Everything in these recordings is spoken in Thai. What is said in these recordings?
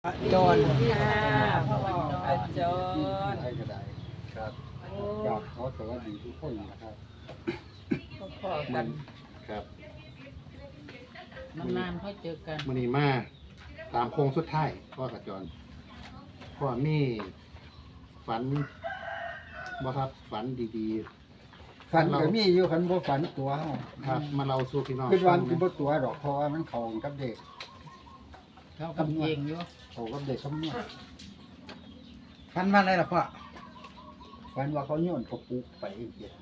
จรพ่ออาจารย์ให้ก็ได้ครับอยากขอสวัสดีทุกคนนะครับพ่อกันครับนานๆค่อยเจอกันมื้อนี้มาตามโค้งสุดท้ายพ่อกับจรพ่อมีฝันบ่ครับฝันดีฝันก็มีอยู่คันบ่ฝันตัวเฮาๆครับมาเล่าสู่พี่น้องคือวันที่ฟับ่งตัวดอกเพราะว่ามันเข้ากับเด็กเขากับเองอยู่เข้ากับเด็กคำนวณฟันว่าอะไรล่ะพ่อฝันว่าเขาโยนกระปุกไปเฮ็ด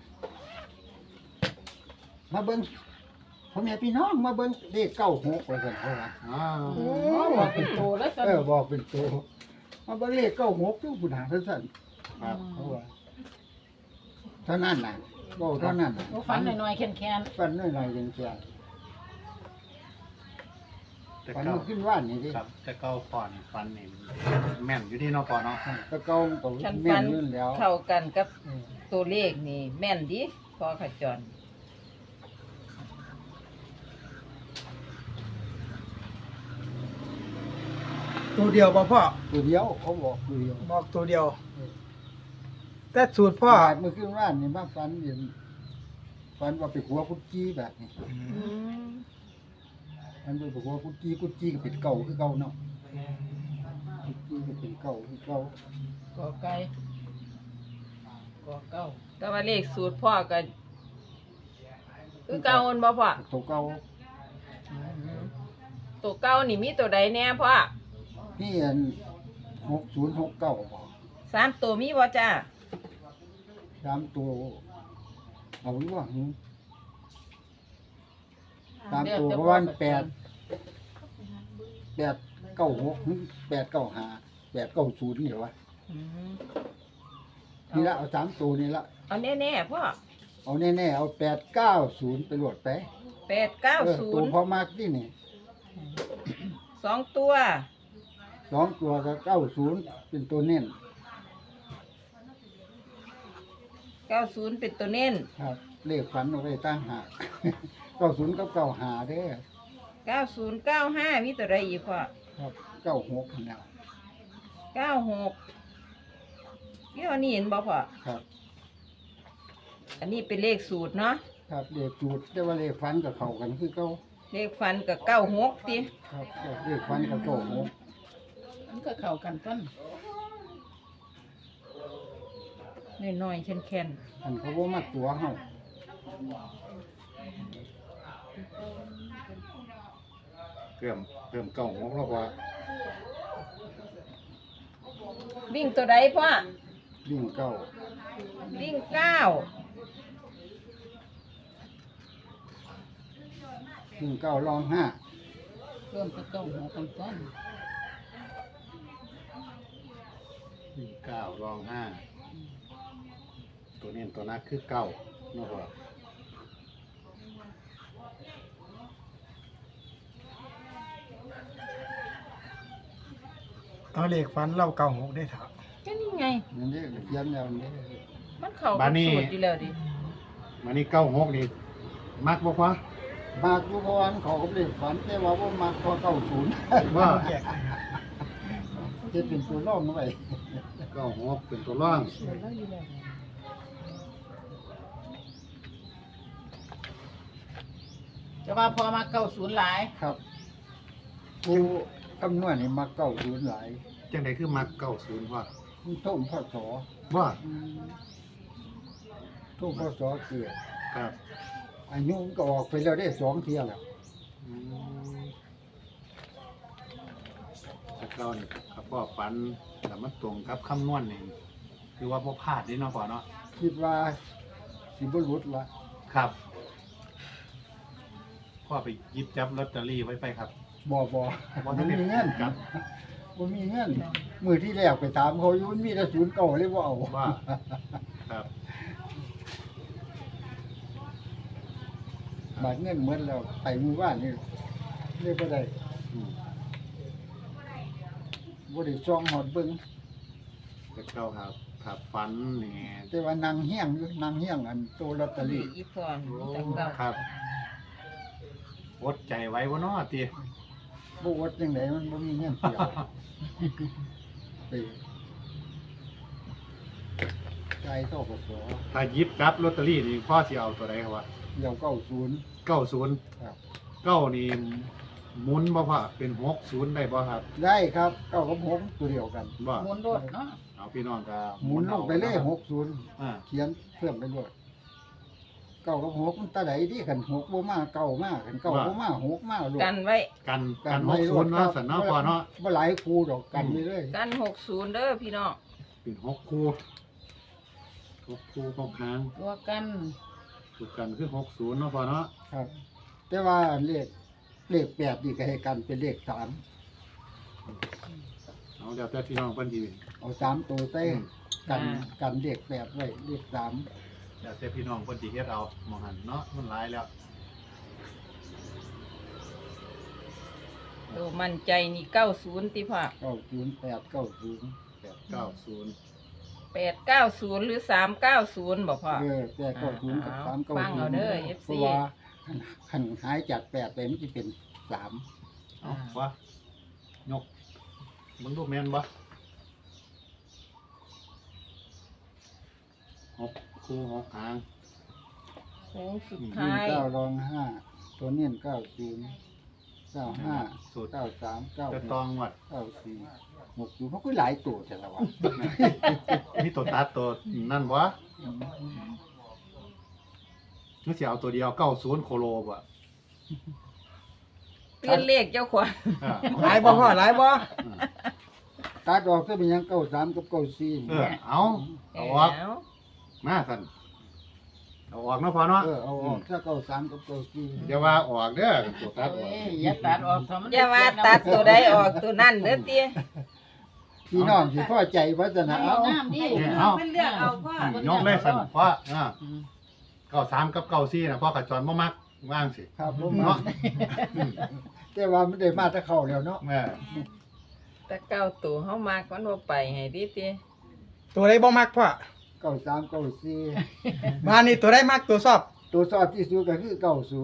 มาเบิ่งพ่อแม่พี่น้องมาเบิ่งเลข96ว่าซั่นเขาว่าอ้าวบอกเป็นโตแล้วกันบอกเป็นตัวมาเบิ่งเลข96อยู่พุ่นหาซั่นครับเขาว่าเท่านั้นน่ะเว้าเท่านั้นน่ะฝันหน่อยๆแค้นฝันน้อยๆจังซี่แต่ฝันเก่าเมื่อคืนว่านนี่ดิครับแต่เก่าก่อนฝันนี่แม่นอยู่ที่เนาะพ่อเนาะแตะเก่าก็ๆฉันแม่ฟันนอยู่แล้วเข้ากันกับเออตัวเลขนี่แม่นดิพอขจรตัวเดียวบ่พ่อตัวเดียวเขาบอกตัวเดียวบอกตัวเดียว แต่สูตรพ่อเมื่อคืนว่านนี่มาฝันเห็นฝันว่าไปหัวกุดจี้แบบนี้ฝันว่าไปหัวกุดจี้กุดจี้ก็เป็นเก่าคือเก่าเนาะกุดจี้ก็เป็นเก่าคือเก่าๆก่อไก่ก่อเก้าแต่ว่าเลขสูตรพ่อก็คือเก่าอันบ่พ่อตัวเก่าตัวเก่านี่มีตัวใดแน่พ่อพี่อัน6069บ่สามตัวมีบ่จ้าตามตัวเอาอยู่ว่าตามตัวประมาณ8 896 895 890นี่เหรอวะนี่ละเอา3ตัวนี่ละเอาแน่ๆพ่อเอาแน่ๆเอา890ไปโหลดไป ตัวพอ 890 มากที่นี่ 2 ตัว 2 ตัวก็90เป็นตัวเน้น 90 เป็นตัวเน้นครับ เลขฝันเอาไว้ตั้งหาก 90กับ95เด้อ 90 95มีตัวใดอีกพ่อครับ96นั่นแหล้ว 96นี่อันนี้เห็นบ่พ่อครับอันนี้เป็นเลขสูตรเนาะครับเลขจูดแต่ว่าเลขฝันกับเข้ากันคือเก่าเลขฟันก็96ติครับเลขฝันกับ96 มันก็เข้ากันต้นน้อยๆแข็งอันเขาบ่มักตัวเฮาเพิ่มเก่าของเราว่าๆวิ่งตัวใดพ่อวิ่งเก่าวิ่ง9 วิ่งเก่ารอง5 เริ่มจะเก้าหัวกันต้น 9รอง5ตัวนี้ตัวนักคือเก่าเนาะพ่อเอาเลขฟันเล่าเก่าหกได้ถามก็นี่ไงนั่นเด้อเขียนแล้วนี่มันเข้ากับสูตรอยู่แล้วดิมานี่96นี่มักบ่พ่อมากอยู่เพราะว่ามันเขาก็เลขฝันแต่ว่าบ่มักพอ90 ว่าแยกให้ครับจะเป็นตัวรองไว้ 96เป็นตัวร่องเดี๋ยวเราอยู่แล้วจะว่าพอมา90หลายครับผู้คำนวณนี่มัก90หลายจังไดคือมัก90พ่อมันท่มพศว่าท่มพศเกิดครับอายุมันก็ออกไปแล้วได้2เที่ยแล้วอืมแต่เก่านี่ครับพ่อฝันแต่มันตรงกับคำนวณนี่คือว่าบ่พลาดเด้เนาะพ่อเนาะคิดว่าสิบ่หลุดละครับพ่อไปหยิบจับลอตเตอรี่ไว้ไปครับบ่บ่มันทันได้มีเงินครับบ่มีเงินมื้อที่แรกไปถามเขาอยู่มันมีแต่ศูนย์เก่าเลยบ่เอาว่าครับบาดเงินหมดแล้วไปมื้อวานนี่เลยบ่ได้อืมบ่ได้ซ่องฮอดเบิ่งแต่เก่าครับครับฝันนี่แต่ว่านั่งเฮียงอยู่นั่งเฮียงอันโตลอตเตอรี่อีพรมีแต่เก่าครับอดใจไว้บ่เนาะติบ่อดจังไดมันบ่มีเงินเสียไปจ่ายเท่ากับสอถ้าหยิบจับลอตเตอรี่นี่พ่อสิเอาตัวใดครับวะเดี๋ยว90 90 ครับ 9นี่หมุนบ่พ่อเป็น60ได้บ่ครับได้ครับ9กับ6ตัวเดียวกันบ่หมุนรถเนาะเอาพี่น้องก็หมุนลงไปเลยอา 60เขียนเพิ่มไปด้วย9กับ6มันตาใดดีกัน6บ่มา9มากัน9บ่มา6มาโลดกันไว้กัน60เนาะสันเนาะพ่อเนาะบ่หลายคู่ดอกกันไปเลยกัน60เด้อพี่น้องเป็น6คู่6คู่ของค้างตัวกันถูกกันคือ60เนาะพ่อเนาะครับ แต่ว่าเลข8นี่ก็ให้กันเป็นเลข3 เอาเดี๋ยวแต่พี่น้องเพิ่นสิเอา3ตัวใส่กันเลข8ไว้เลข3 เดี๋ยวแต่พี่น้องเพิ่นสิเฮ็ดเอาหมองหันเนาะมันหลายแล้วตัวมั่นใจนี่90ติพ่อ 90890 890 890หรือ390บ่พ่อ 890กับฟังเอาเด้อ 390 FC เพราะว่าคันหายจาก8ไปมันจะเป็น3 เอาว่ายกมึงดูแม่นบ่6คู่6หางโค้งสุดวิ่งท้าย 9รอง5ตัวเน้น90 95 สูตร 93 จะตองวัด 94 60มันก็หลายตัวแต่ละวันมีตัวตัดตัวนั่นบ่นึกสิเอาตัวเดียว90โคโลบ่เปลี่ยนเลขเจ้าขวัญหลายบ่พ่อหลายบ่ตัดออกก็เป็นหยัง93กับ94 เอาออกแล้วมาสั่นเอาออกเนาะพอเนาะเอาออกถ้า93กับ94 อย่าว่าออกเด้อตัวตัดออกเอ้ยอย่าตัดออกทำมันอย่าว่าตัดตัวใดออกตัวนั้นเด้อเตี้ยพี่น้องสิพอใจว่าจะนะเอาเอาน้ำดิเอาเลือกเอาพ่อยกเลยสั่นเพราะอืม 93กับ94น่ะพ่อกับจอนบ่มักว่างสิครับผมเนาะแต่ว่ามันได้มาแตะเข้าแล้วเนาะแม่แต่เก้าตัวเฮามากมันบ่ไปให้ดิเตี้ยตัวใดบ่มักพ่อ 93 94 มานี่ตัวใดมักตัวชอบตัวซอดที่สุดก็คือ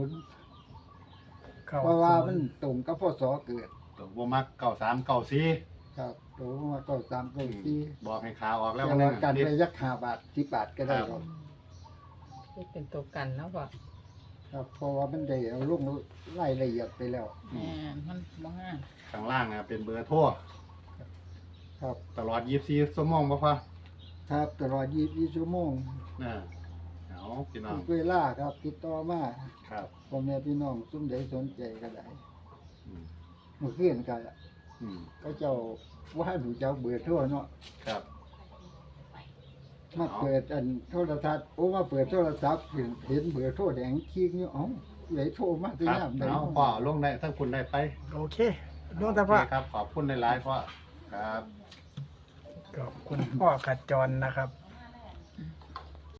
90เพราะว่ามันตรงกับพศเกิดตัวบ่มัก93 94 ครับตัวมา93 94 บอกให้ขาออกแล้วแต่มันว่ากันไปยัก5บาท10บาทก็ได้ครับนี่เป็นตัวกันเนาะพ่อครับเพราะว่ามันได้เอาลงรายละเอียดไปแล้วแม่นมันบ่งามข้างล่างน่ะเป็นเบอร์โทรครับตลอด24ชั่วโมงบ่พ่อครับตลอด24ชั่วโมงเอาพี่น้อทุงกเวลาครับติดต่อมาครับพ่อแม่พี่น้องซุ่มใดสนใจก็ได้อืมเมื่อคืนก็อืมก็เจ้าว่าหนูเจ้าเบื่อร์โทั่วเนาะครับมาเปิดอันโทรทัศน์โอ้มาเปิดโทรศัพท์เห็นเบื่อร์โทั่วแดงขี้อยู่เอ้าไหนโทรมาที่ครับยามใดเอาพ่อลงได้ทั้งคุณได้ไปโอเคลงแต่พ่อโอเคครับ ขอบคุณหลายๆพ่อครับขอบคุณพ่อขจรนะครับ